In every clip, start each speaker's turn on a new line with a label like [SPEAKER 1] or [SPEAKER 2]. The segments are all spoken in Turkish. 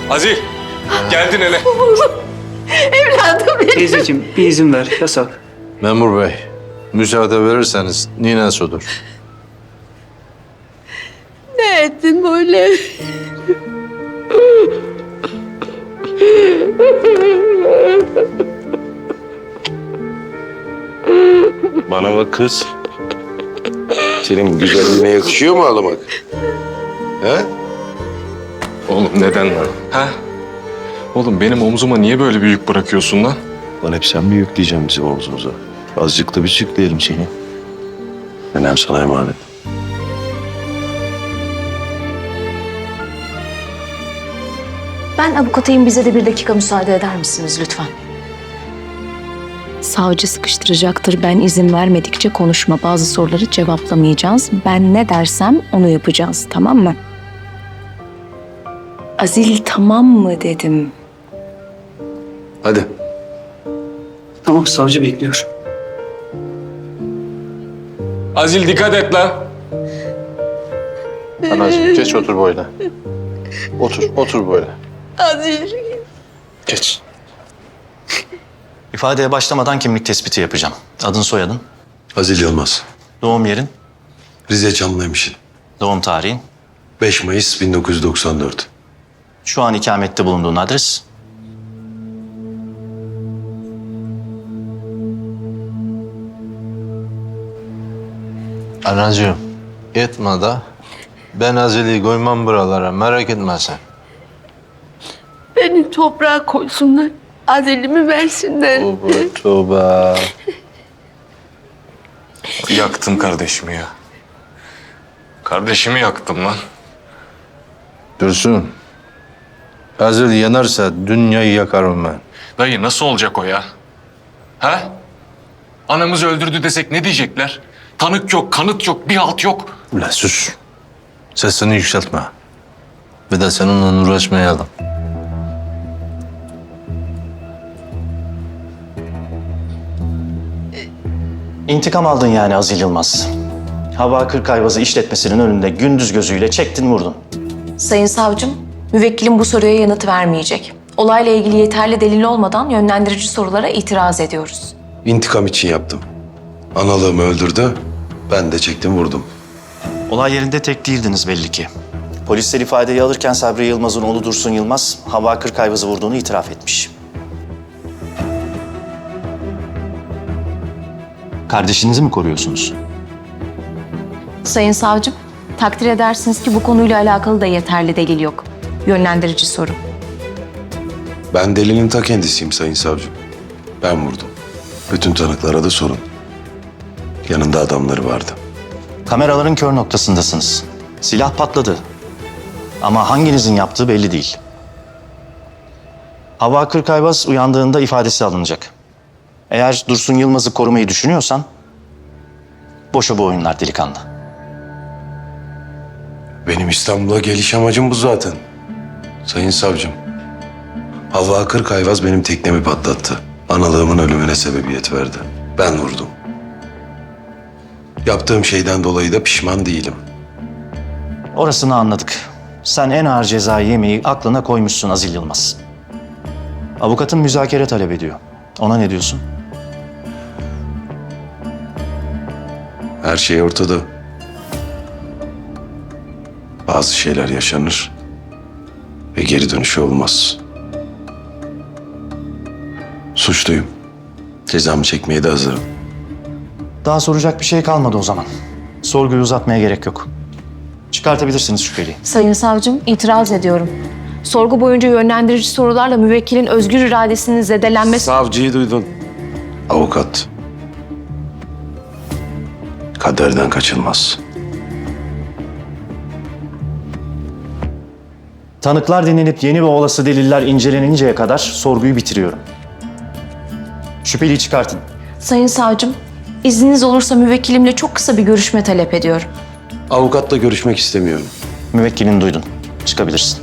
[SPEAKER 1] Azil, geldin hele.
[SPEAKER 2] Evladım benim.
[SPEAKER 3] Teyzeciğim bir izin ver, yasak.
[SPEAKER 4] Memur bey, müsaade verirseniz Nine Su'dur.
[SPEAKER 2] Ne ettin böyle?
[SPEAKER 5] Bana bak kız. Senin güzelliğine yakışıyor mu ağlamak? He?
[SPEAKER 1] Oğlum neden lan? Ha? Oğlum benim omzuma niye böyle bir yük bırakıyorsun lan?
[SPEAKER 5] Lan hep sen mi yükleyeceksin bizi omzumuza? Azıcık da biz yükleyelim seni. Nenem sana emanet.
[SPEAKER 6] Ben avukatıyım, bize de bir dakika müsaade eder misiniz lütfen? Savcı sıkıştıracaktır. Ben izin vermedikçe konuşma. Bazı soruları cevaplamayacağız. Ben ne dersem onu yapacağız, tamam mı? Azil tamam mı dedim.
[SPEAKER 4] Hadi.
[SPEAKER 3] Tamam, savcı bekliyor.
[SPEAKER 1] Azil dikkat et lan.
[SPEAKER 4] Anacığım geç otur böyle. Otur böyle.
[SPEAKER 2] Azil.
[SPEAKER 4] Geç.
[SPEAKER 7] İfadeye başlamadan kimlik tespiti yapacağım. Adın, soyadın,
[SPEAKER 8] Azil Yılmaz.
[SPEAKER 7] doğum yerin,
[SPEAKER 8] Rize Çamlıhemşin.
[SPEAKER 7] doğum tarihin,
[SPEAKER 8] 5 Mayıs 1994.
[SPEAKER 7] şu an ikamette bulunduğun adres.
[SPEAKER 4] Anacığım, etme da. Ben Azil'i koymam buralara, merak etme sen.
[SPEAKER 2] Beni toprağa koysunlar. Azil'imi versinler.
[SPEAKER 4] Tövbe.
[SPEAKER 1] Yaktım kardeşimi ya. Kardeşimi yaktım lan.
[SPEAKER 4] Dursun. Azil yanarsa dünyayı yakarım ben.
[SPEAKER 1] Dayı nasıl olacak o ya? Ha? Anamızı öldürdü desek ne diyecekler? Tanık yok, kanıt yok, bir halt yok.
[SPEAKER 4] Ulan sus. Sesini yükseltme. Bir de seninle uğraşmayalım.
[SPEAKER 7] İntikam aldın yani Azil Yılmaz. Hava Kırkayvazı işletmesinin önünde gündüz gözüyle çektin vurdun.
[SPEAKER 6] Sayın savcım, müvekkilim bu soruya yanıt vermeyecek. Olayla ilgili yeterli delil olmadan yönlendirici sorulara itiraz ediyoruz.
[SPEAKER 8] İntikam için yaptım. Analığımı öldürdü. Ben de çektim vurdum.
[SPEAKER 7] Olay yerinde tek değildiniz belli ki. Polisler ifadeyi alırken Sabri Yılmaz'ın oğlu Dursun Yılmaz, Hava Kırkayvazı vurduğunu itiraf etmiş. Kardeşinizi mi koruyorsunuz?
[SPEAKER 6] Sayın savcım, takdir edersiniz ki bu konuyla alakalı da yeterli delil yok. Yönlendirici soru.
[SPEAKER 8] Ben delinin ta kendisiyim sayın savcım. Ben vurdum. Bütün tanıklara da sorun. Yanında adamları vardı.
[SPEAKER 7] Kameraların kör noktasındasınız. Silah patladı. Ama hanginizin yaptığı belli değil. Hava Kırkayvaz uyandığında ifadesi alınacak. Eğer Dursun Yılmaz'ı korumayı düşünüyorsan, boşa bu oyunlar delikanlı.
[SPEAKER 8] Benim İstanbul'a geliş amacım bu zaten. Sayın savcım. Havva Kırkayvaz benim teknemi patlattı. Analığımın ölümüne sebebiyet verdi. Ben vurdum. Yaptığım şeyden dolayı da pişman değilim.
[SPEAKER 7] Orasını anladık. Sen en ağır cezayı yemeyi aklına koymuşsun Azil Yılmaz. Avukatın müzakere talep ediyor. Ona ne diyorsun?
[SPEAKER 8] Her şey ortada. Bazı şeyler yaşanır ve geri dönüşü olmaz. Suçluyum. Cezamı çekmeye de hazırım.
[SPEAKER 7] Daha soracak bir şey kalmadı o zaman. Sorguyu uzatmaya gerek yok. Çıkartabilirsiniz şüpheliyi.
[SPEAKER 6] Sayın savcım, itiraz ediyorum. Sorgu boyunca yönlendirici sorularla müvekkilin özgür iradesinin zedelenmesi...
[SPEAKER 8] Savcıyı duydun. Avukat. Kaderden kaçılmaz.
[SPEAKER 7] Tanıklar dinlenip yeni ve olası deliller inceleninceye kadar sorguyu bitiriyorum. Şüpheliyi çıkartın.
[SPEAKER 6] Sayın savcım, izniniz olursa müvekkilimle çok kısa bir görüşme talep ediyorum.
[SPEAKER 8] Avukatla görüşmek istemiyorum.
[SPEAKER 7] Müvekkilini duydun. Çıkabilirsin.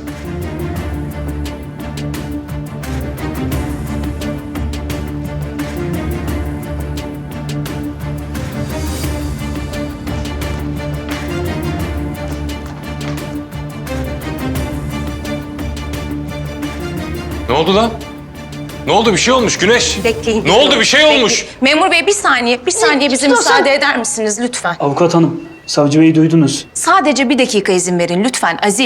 [SPEAKER 1] Ne oldu lan? Ne oldu? Bir şey olmuş Güneş.
[SPEAKER 6] Bekleyin.
[SPEAKER 1] Ne oldu? Bir şey olmuş.
[SPEAKER 6] Bekleyin. Memur bey bir saniye bize müsaade eder misiniz lütfen?
[SPEAKER 3] Avukat hanım, savcı beyi duydunuz.
[SPEAKER 6] Sadece bir dakika izin verin lütfen Azil.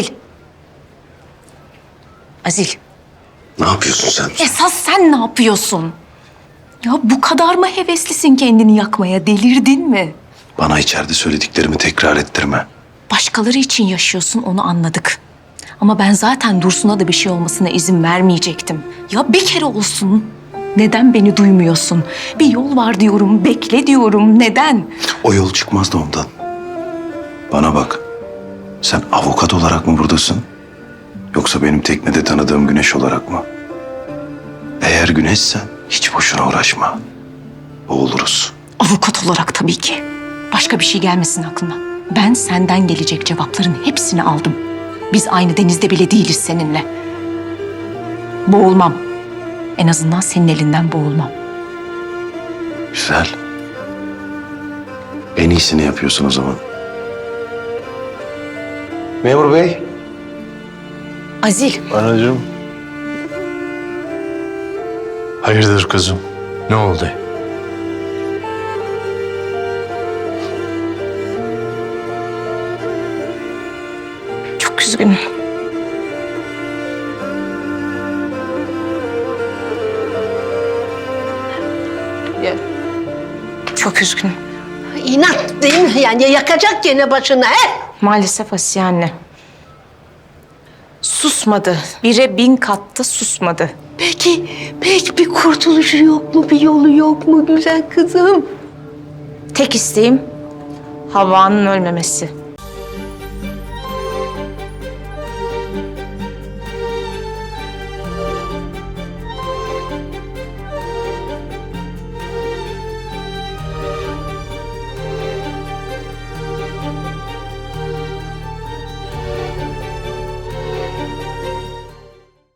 [SPEAKER 6] Azil.
[SPEAKER 8] Ne yapıyorsun sen?
[SPEAKER 6] Esas sen ne yapıyorsun? Ya bu kadar mı heveslisin kendini yakmaya? Delirdin mi?
[SPEAKER 8] Bana içeride söylediklerimi tekrar ettirme.
[SPEAKER 6] Başkaları için yaşıyorsun onu anladık. Ama ben zaten Dursun'a da bir şey olmasına izin vermeyecektim. Ya bir kere olsun. Neden beni duymuyorsun? Bir yol var diyorum, bekle diyorum. Neden?
[SPEAKER 8] O yol çıkmaz da ondan. Bana bak. Sen avukat olarak mı buradasın? Yoksa benim teknede tanıdığım Güneş olarak mı? Eğer Güneşsen hiç boşuna uğraşma. Boğuluruz.
[SPEAKER 6] Avukat olarak tabii ki. Başka bir şey gelmesin aklına. Ben senden gelecek cevapların hepsini aldım. Biz aynı denizde bile değiliz seninle. Boğulmam. En azından senin elinden boğulmam.
[SPEAKER 8] Güzel. En iyisini yapıyorsun o zaman. Memur bey.
[SPEAKER 6] Azil,
[SPEAKER 4] Anacığım. Hayırdır kızım? Ne oldu?
[SPEAKER 6] çok üzgünüm. Çok üzgünüm.
[SPEAKER 2] İnat değil mi? Yani yakacak gene başına he?
[SPEAKER 6] Maalesef Asiye anne. Susmadı. Bire 1000 katta susmadı.
[SPEAKER 2] Peki bir kurtuluşu yok mu? Bir yolu yok mu güzel kızım?
[SPEAKER 6] Tek isteğim Havva'nın ölmemesi.